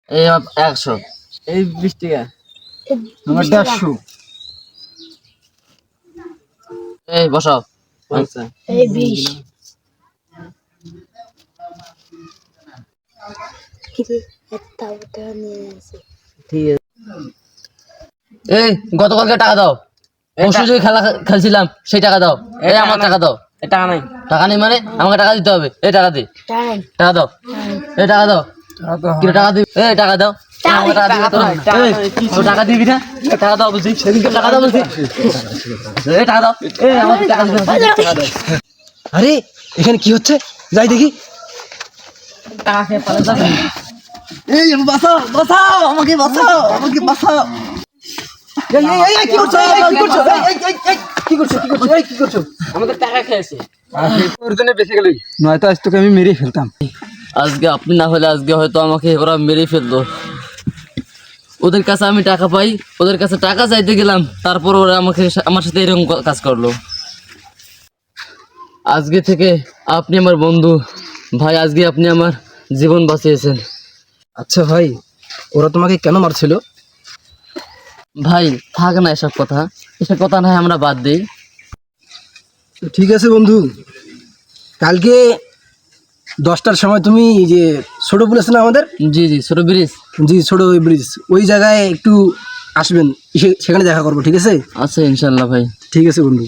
এই 100, এই 20 টাকা, আমার 150, এই বসাও। 50, এই 20 কিরে একটা ওটা নিয়ে আসি। ঠিক আছে। এই গতকালকে টাকা দাও, পরশু যে খেলা খেলছিলাম সেই টাকা দাও। এই আমার টাকা দাও। এই টাকা নাই। টাকা নেই মানে আমাকে টাকা দিতে হবে। এই টাকা দে, টাইম টাকা দাও, এই টাকা দাও। কি টাকা দিবি? এই টাকা দাও। আমাকে টাকা দিবি তো? এই, ও টাকা দিবি না? এই টাকা দাও বলছি, সেদিনকে টাকা দাও বলছি। এই টাকা দাও। এই আমাকে টাকা দিবি না? টাকা দাও। আরে এখানে কি হচ্ছে? যাই দেখি। টাকা খেয়ে পালা যাবে। এই বাঁচাও, বাঁচাও, আমাকে বাঁচাও, আমাকে বাঁচাও। এই কি করছো? কি করছো? কি করছো? কি করছো? কি করছো? আমাদের টাকা খেয়েছে। তোর জন্য বেঁচে গেলি, নয়তো আজ তোকে আমি মেরে ফেলতাম। আজকে আপনি না হলে আজকে হয়তো আমাকে ওরা মেরে ফেলতো। ওদের কাছে আমি টাকা পাই, ওদের কাছে টাকা চাইতে গেলাম, তারপর ওরা আমাকে আমার সাথে এরকম কাজ করলো। আজকে থেকে আপনি আমার বন্ধু ভাই, আজকে আপনি আমার জীবন বাঁচিয়েছেন। আচ্ছা ভাই, ওরা তোমাকে কেন মারছিল? ভাই থাক না এসব কথা, এসব কথা নয় আমরা বাদ দিই। তো ঠিক আছে বন্ধু, কালকে 10টার সময় তুমি যে ছোট পুল আছে না আমাদের, জি জি, ছোট ব্রিজ। জি ছোট ওই ব্রিজ, ওই জায়গায় একটু আসবেন, সেখানে দেখা করবো, ঠিক আছে? আচ্ছা ইনশাল্লাহ ভাই। ঠিক আছে বন্ধু।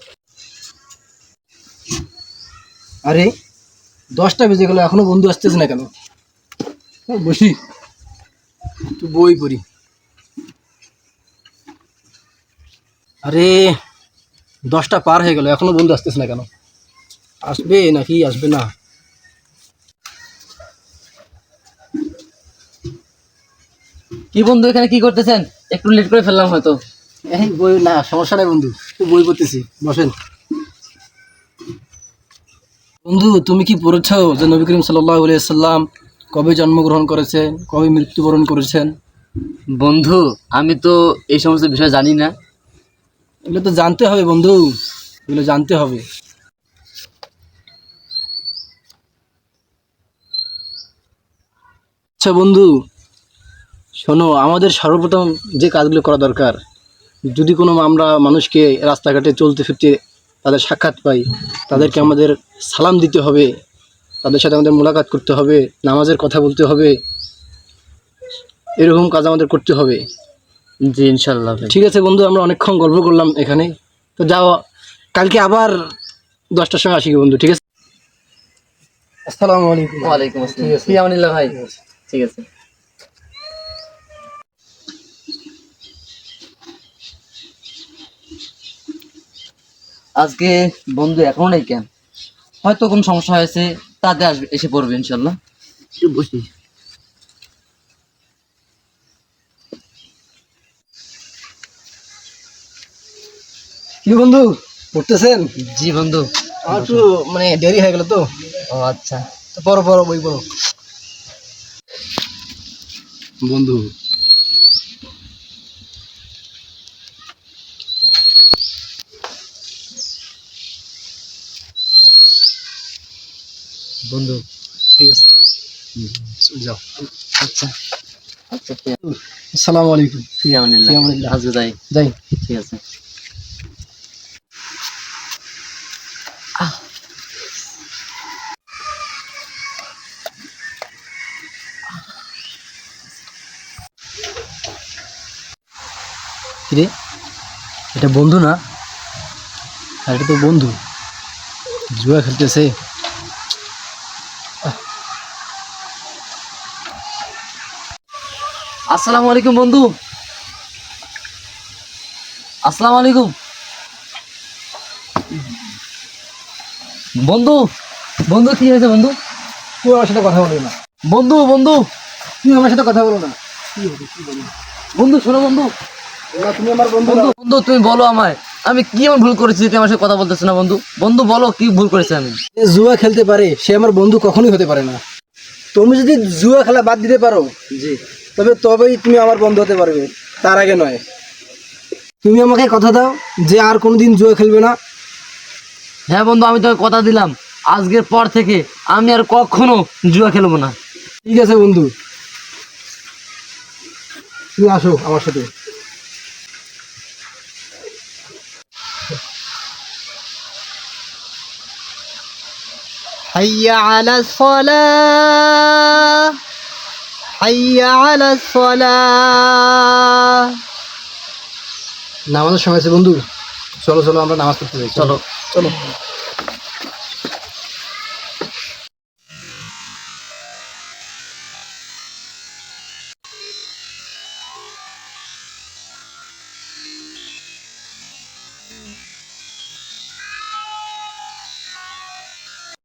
আরে 10টা বেজে গেল, এখনো বন্ধু আসতেছে না কেন? বসি একটু বই পড়ি। আরে 10টা পার হয়ে গেল, এখনো বন্ধু আসতেছে না কেন? আসবে নাকি আসবে না? কি বন্ধু এখানে কি করতেছেন? একটু লেট করে ফেললাম হয়তো। এই বই না, সমস্যা নাই বন্ধু, একটু বই পড়তেছি, বসেন। বন্ধু তুমি কি পড়েছ যে নবী করিম সাল্লাল্লাহু আলাইহি সাল্লাম কবে জন্মগ্রহণ করেছেন, কবে মৃত্যুবরণ করেছেন? বন্ধু আমি তো এই সমস্ত বিষয় জানি না। এগুলো তো জানতে হবে বন্ধু, এগুলো জানতে হবে। আচ্ছা বন্ধু শোনো, আমাদের সর্বপ্রথম যে কাজগুলো করা দরকার, যদি কোনো আমরা মানুষকে রাস্তাঘাটে চলতে ফিরতে তাদের সাক্ষাৎ পাই, তাদেরকে আমাদের সালাম দিতে হবে, তাদের সাথে আমাদের মোলাকাত করতে হবে, নামাজের কথা বলতে হবে, এরকম কাজ আমাদের করতে হবে। জি ইনশাল্লাহ ভাই। ঠিক আছে বন্ধু, আমরা অনেকক্ষণ গল্প করলাম এখানে, তো যাও, কালকে আবার 10টার সময় আসি বন্ধু, ঠিক আছে? আসসালামু আলাইকুম। ওয়ালাইকুম আসসালাম। ঠিক আছে। ফি আমানিল্লাহ ভাই। ঠিক আছে। আজকে বন্ধু এখনো নেই কেন? হয়তো কোনো সমস্যা হয়েছে, তাতে আসবে, এসে পড়বে ইনশাল্লাহ। একটু বসি। কি বন্ধু পড়তেছেন? জি বন্ধু। আমার একটু মানে দেরি হয়ে গেল তো, ও আচ্ছা। তো পড়ো পড়ো, বই পড়ো বন্ধু। বন্ধু ঠিক আছে, যাও। আচ্ছা আচ্ছা। আসসালামু আলাইকুম। ফি আমানিল্লাহ। ফি আমানিল্লাহ। আজকে যাই। যাই। ঠিক আছে। কিরে, এটা বন্ধু না? আর এটা তো বন্ধু জুয়া খেলতেছে। আসসালামু আলাইকুম বন্ধু। আসসালামু আলাইকুম বন্ধু। বন্ধু কি হয়েছে বন্ধু? তুই আমার সাথে কথা বলবি না, বন্ধু বন্ধু তুই আমার সাথে কথা বলো না। বন্ধু শোনো বন্ধু। না, তুমি আমার বন্ধু বন্ধু না। বন্ধু তুমি বলো আমায়, আমি কি এমন ভুল করেছি যে তুমি আমার সাথে কথা বলতেছো না? বন্ধু বন্ধু বলো কি ভুল করেছি আমি? যে জুয়া খেলতে পারে সে আমার বন্ধু কখনোই হতে পারে না। তুমি যদি জুয়া খেলা বাদ দিতে পারো, জি। তবেই তুমি আমার বন্ধু হতে পারবে, তার আগে নয়। তুমি আমাকে কথা দাও যে আর কোনোদিন জুয়া খেলবে না। হ্যাঁ বন্ধু, আমি তোকে কথা দিলাম, আজকের পর থেকে আমি আর কখনো জুয়া খেলবো না। ঠিক আছে বন্ধু। তুমি আসো আমার সাথে। হাইয়া আলা সালাহ, হাইয়া আলা সালাহ। নামাজের সময় আছে বন্ধু, চলো চলো আমরা নামাজ পড়তে যাই। চলো চলো।